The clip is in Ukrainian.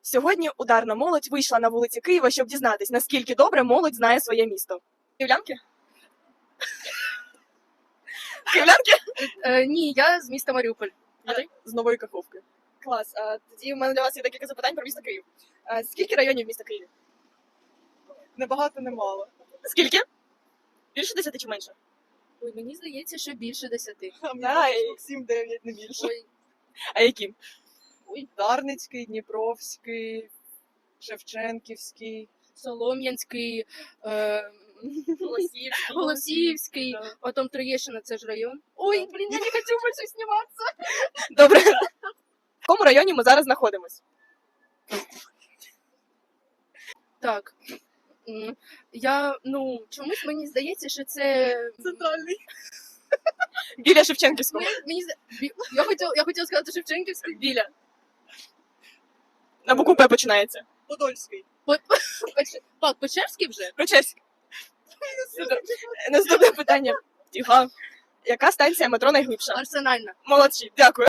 Сьогодні ударна молодь вийшла на вулиці Києва, щоб дізнатись, наскільки добре молодь знає своє місто. Київлянки? Київлянки? Ні, я з міста Маріуполь. А ти? З Нової Каховки. Клас. Тоді в мене для вас є декілька запитань про місто Київ. Скільки районів міста Києві? Небагато, немало. Скільки? Більше 10 чи менше? Ой, мені здається, що більше 10. А мені Да, штук 7-9, не більше. Ой, А які? Дарницький, Дніпровський, Шевченківський. Солом'янський, Голосіївський. Голосіївський, Да. потім Троєщина, це ж район. Ой, блін, я не хочу більше зніматися. Добре. В якому районі ми зараз знаходимось? Так. Чомусь мені здається, що це... Центральний. Біля Шевченківського. Я хотіла сказати Шевченківський. Біля. На букву П починається. Подольський. Печерський вже? Прочеськ. Наступне питання. Тіга. Яка станція метро найглибша? Арсенальна. Молодці, дякую.